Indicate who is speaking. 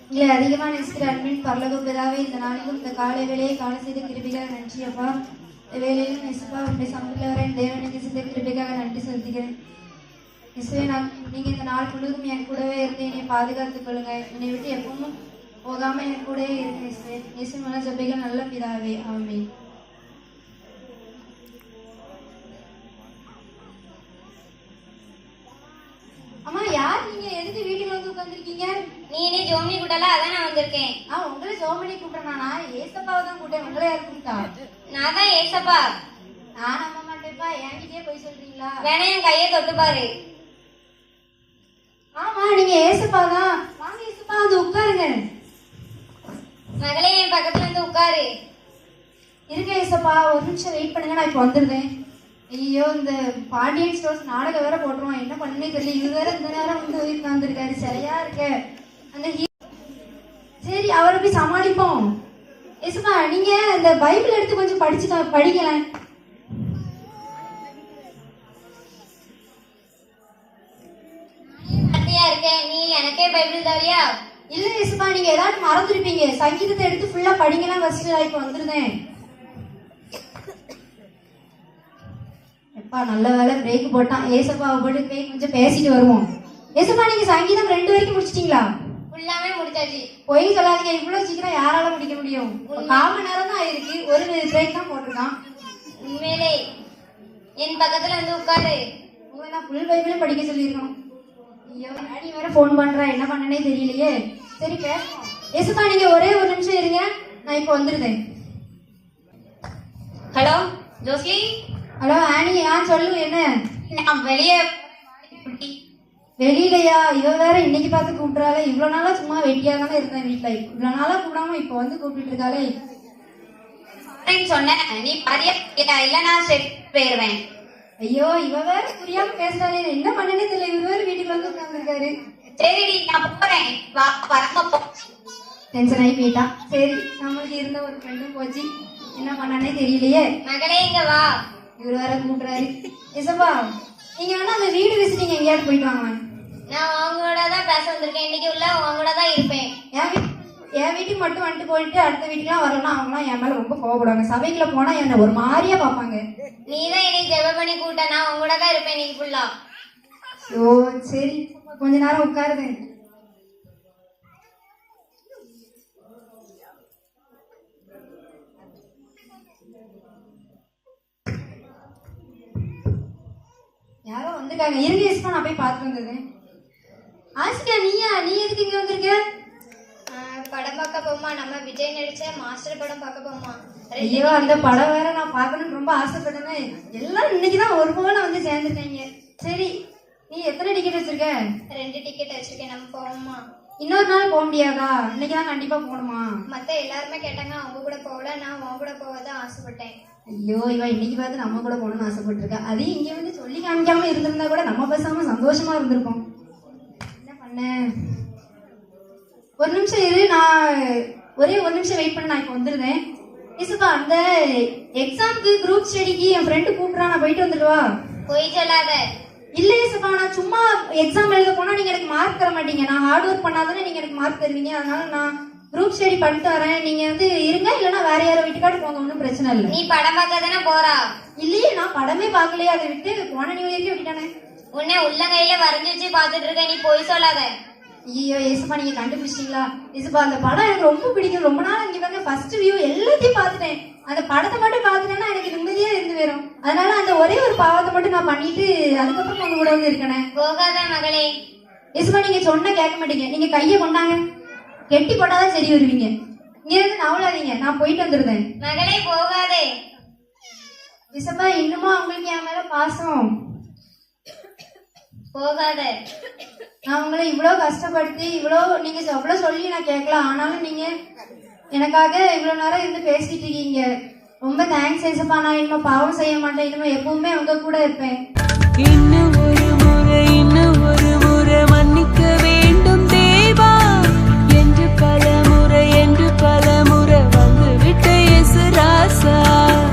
Speaker 1: எங்களை அதிகமாக நேசிக்கிற அன்பின் பரலோக பிதாவே, இந்த நாளிலும் இந்த காலை வேலையை காண செய்த கிருபைக்காக நன்றி அப்பா. இந்த வேலையிலும் இசுப்பா உங்களுடைய சமூகத்தில் வர என் தேவனுக்கு செய்த கிருபைக்காக நன்றி செலுத்துகிறேன். இசுவே, நீங்கள் இந்த நாள் முழுவதும் என் கூடவே இருந்து என்னை பாதுகாத்துக் கொள்ளுங்க. என்னை விட்டு எப்பவும் போகாமல் என் கூடவே இருங்க இசுவே. இயேசு மன ஜெபிகள் நல்ல பிதாவே, ஆமென். அம்மா, யார் நீங்க? எதுக்கு வீட்டுக்கு வந்து உட்காந்துருக்கீங்க?
Speaker 2: நீ என்ன ஜோமனி கூட்டல? அதான் நான் வந்திருக்கேன்.
Speaker 1: உங்களை ஜோமனி கூப்பிட்டேனா? ஏசப்பாவை தான் கூப்பிட்டேன். உங்களை யார் கூப்பிட்டா?
Speaker 2: நான் தான் ஏசப்பா.
Speaker 1: நான் நம்ப மாட்டேப்பா. என்கிட்டயே போய் சொல்றீங்களா?
Speaker 2: வேணா என் கையை தொட்டு பாரு.
Speaker 1: ஆமா, நீங்க ஏசப்பா தான். வாங்க ஏசப்பா, வந்து உட்காருங்க.
Speaker 2: மகளே, என் பக்கத்துல வந்து உட்காரு.
Speaker 1: இருங்க ஏசப்பா, ஒரு நிமிஷம் வெயிட் பண்ணுங்க, நான் இப்போ வந்துருந்தேன். ஐயோ, இந்த பாண்டியன் ஸ்டோர்ஸ் நாடகம் வேற போட்டுருவோம். என்ன பண்ணே தெரியல. இது வேற இந்த நேரம் வந்து உட்காந்துருக்காரு. சரியா இருக்க அந்த சரி, அவரை போய் சமாளிப்போம். ஏசப்பா, நீங்க இந்த பைபிள் எடுத்து கொஞ்சம் படிக்கலாம்.
Speaker 2: இருக்கேன். நீ எனக்கே பைபிள் தரியா?
Speaker 1: இல்ல ஏசப்பா, நீங்க ஏதாவது மறந்துருப்பீங்க. சங்கீதத்தை எடுத்து ஃபுல்லா படிக்கலாம். ஃபர்ஸ்ட் இப்போ வந்துருந்தேன். எப்பா, நல்ல வேலை பிரேக் போட்டான். ஏசப்பாவை போட்டு போய் கொஞ்சம் பேசிட்டு வருவோம். ஏசப்பா, நீங்க சங்கீதம் 2 வரைக்கும் முடிச்சிட்டீங்களா?
Speaker 2: ஃபுல்லாமே முடிச்சாச்சு.
Speaker 1: போய் சொல்லாதீங்க. இவ்வளவு சீக்கிரம் யாரால முடிக்க முடியும்? 1/4 மணி நேரம் தான் ஆயிருக்கு. ஒரு பிரேக் தான் போட்டிருக்கான்.
Speaker 2: உண்மையிலே என் பக்கத்துல வந்து உட்காரு.
Speaker 1: உங்களை நான் ஃபுல் பைபிளே படிக்க சொல்லியிருக்கோம். ஐயோ, டாடி வேற ஃபோன் பண்றா. என்ன பண்ணனே தெரியலையே. சரி, பேசுவோம். ஏசப்பா, நீங்க ஒரே ஒரு நிமிஷம் இருங்க, நான் இப்போ வந்துருந்தேன்.
Speaker 2: ஹலோ ஜோஸ்லி.
Speaker 1: ஹலோ ஆனி. சொல்லு. என்ன?
Speaker 2: நான் வெளியே.
Speaker 1: வெளியிலையா? இவ வேற இன்னைக்கு பார்த்து கூப்பிட்றாளே. இவ்வளவு நாளா சும்மா வெட்டியா தானே இருந்தேன் வீட்டுல. இவ்வளவு நாளா கூப்பிடாம இப்போ வந்து கூப்பிட்டு இருக்காளே.
Speaker 2: சொன்னேன், நீ பாதியா இல்ல நான் போயிருவேன்.
Speaker 1: ஐயோ, இவ வேற புரியாம பேசுறாளே. என்ன பண்ணனே தெரியல. இவர் வேற வீட்டுக்கு வந்து உட்கார்ந்துருக்காரு.
Speaker 2: சரிடி, நான் போறேன். வா, வரமா.
Speaker 1: டென்ஷன் ஆகி போயிட்டான். சரி, நம்மளுக்கு இருந்த ஒரு ஃப்ரெண்டும் போச்சு. என்ன பண்ணனே தெரியலையே.
Speaker 2: மகளே, இங்க வா.
Speaker 1: இவர் வேற கூப்பிடுறாரு. இசப்பா, நீங்க வேணா அந்த வீடு விசிட்டிங் எங்கேயாவது போயிட்டு வாங்க.
Speaker 2: நான் உங்களோட தான் பேச வந்திருக்கேன். இன்னைக்கு உள்ள உங்களோட தான் இருப்பேன்.
Speaker 1: என் வீட்டுக்கு மட்டும் வந்துட்டு போயிட்டு அடுத்த வீட்டுக்குலாம் வரலாம். அவங்களாம் என் மேல ரொம்ப கோவப்படுவாங்க. சபைக்குள்ள போனா என்ன ஒரு மாதிரியா பாப்பாங்க.
Speaker 2: நீ தான் என்னை ஜெப பண்ணி கூட்ட. நான் உங்களோட தான் இருப்பேன் இன்னைக்கு ஃபுல்லா.
Speaker 1: ஓ சரி, கொஞ்ச நேரம் உட்காருது. யாரோ வந்துருக்காங்க. இருங்க இஸ்மா, நான் போய் பார்த்துட்டு வந்தது. ஆசிகா, நீ எதுக்கு இங்க வந்திருக்க?
Speaker 2: படம் பார்க்க போமா. நம்ம விஜய் நடிச்ச மாஸ்டர் படம் பார்க்க போமா.
Speaker 1: ஐயோ, அந்த படம் வேற நான் பார்க்கணும்னு ரொம்ப ஆசைப்பட்டேன். எல்லாரும் இன்னைக்குதான் ஒரு போல வந்து சேர்ந்துருக்காங்க. சரி, நீ எத்தனை டிக்கெட் வச்சிருக்க?
Speaker 2: 2 டிக்கெட் வச்சிருக்கேன். நம்ம போவோமா?
Speaker 1: இன்னொரு நாள் போக முடியாதா? இன்னைக்குதான் கண்டிப்பா போகணுமா?
Speaker 2: மத்த எல்லாருமே கேட்டாங்க, அவங்க கூட போகல. நான் உன் கூட போகதான் ஆசைப்பட்டேன்.
Speaker 1: ஐயோ, இவன் இன்னைக்கு பார்த்து நம்ம கூட போகணும்னு ஆசைப்பட்டிருக்கா. அதையும் இங்க வந்து சொல்லி காமிக்காம இருந்திருந்தா கூட நம்ம பேசாம சந்தோஷமா இருந்திருப்போம். என்ன பண்ண? ஒரு நிமிஷம் இரு, நான் ஒரே ஒரு நிமிஷம் வெயிட் பண்ண. நான் இப்போ வந்துருந்தேன். இசுப்பா, அந்த எக்ஸாம்க்கு குரூப் ஸ்டடிக்கு என் ஃப்ரெண்டு கூப்பிட்றா. நான் போயிட்டு வந்துடுவா.
Speaker 2: போய் சொல்லாத.
Speaker 1: இல்ல இசுப்பா, நான் சும்மா எக்ஸாம் எழுத போனா நீங்க எனக்கு மார்க் தர மாட்டீங்க. நான் ஹார்ட் ஒர்க் பண்ணாதானே நீங்க எனக்கு மார்க் தருவீங்க. அதனால நான் குரூப் ஸ்டடி பண்ணிட்டு வரேன். நீங்க வந்து இருங்க, இல்லைன்னா வேற யாரோ வீட்டுக்காட்டு போங்க. ஒன்றும் பிரச்சனை இல்லை.
Speaker 2: நீ படம் பார்க்க தானே போறா?
Speaker 1: இல்லையே, நான் படமே பார்க்கலையே. அதை விட்டு போன நியூ இயர்க்கே விட்டுட்டானே.
Speaker 2: உன்னை உள்ளங்கையில வரைஞ்சி வச்சு பாத்துட்டு இருக்க. நீ போய் சொல்லாத.
Speaker 1: ஐயோ ஏசுப்பா, நீங்க கண்டுபிடிச்சிட்டீங்களா? ஏசுப்பா, அந்த படம் எனக்கு ரொம்ப பிடிக்கும். ரொம்ப நாள் இங்க பாருங்க, ஃபர்ஸ்ட் வியூ எல்லாத்தையும் பார்த்துட்டேன். அந்த படத்தை மட்டும் பார்த்துட்டேன்னா எனக்கு நிம்மதியா இருந்து வரும். அதனால அந்த ஒரே ஒரு பாவத்தை மட்டும் நான் பண்ணிட்டு அதுக்கப்புறம் உங்க கூட வந்து இருக்கேன்.
Speaker 2: போகாத மகளே.
Speaker 1: ஏசுப்பா, நீங்க சொன்ன கேட்க மாட்டீங்க. நீங்க கையை கொண்டாங்க, கெட்டி போட்டாதான் சரி வருவீங்க. இங்க இருந்து நவலாதீங்க, நான் போயிட்டு வந்துருந்தேன்.
Speaker 2: மகளே, போகாதே.
Speaker 1: ஏசுப்பா, இன்னுமா உங்களுக்கு என் மேல பாசம்?
Speaker 2: போகாத.
Speaker 1: நான் உங்களை இவ்வளவு கஷ்டப்படுத்தி நீங்க அவ்வளவு சொல்லி நான் கேட்கலாம். ஆனாலும் நீங்க எனக்காக இவ்வளவு நேரம் இருந்து பேசிட்டு இருக்கீங்க. ரொம்ப தேங்க்ஸ் ஏசப்பா. நான் இனிமே பாவம் செய்ய மாட்டேன். இனிமே எப்பவுமே உங்க கூட இருப்பேன்.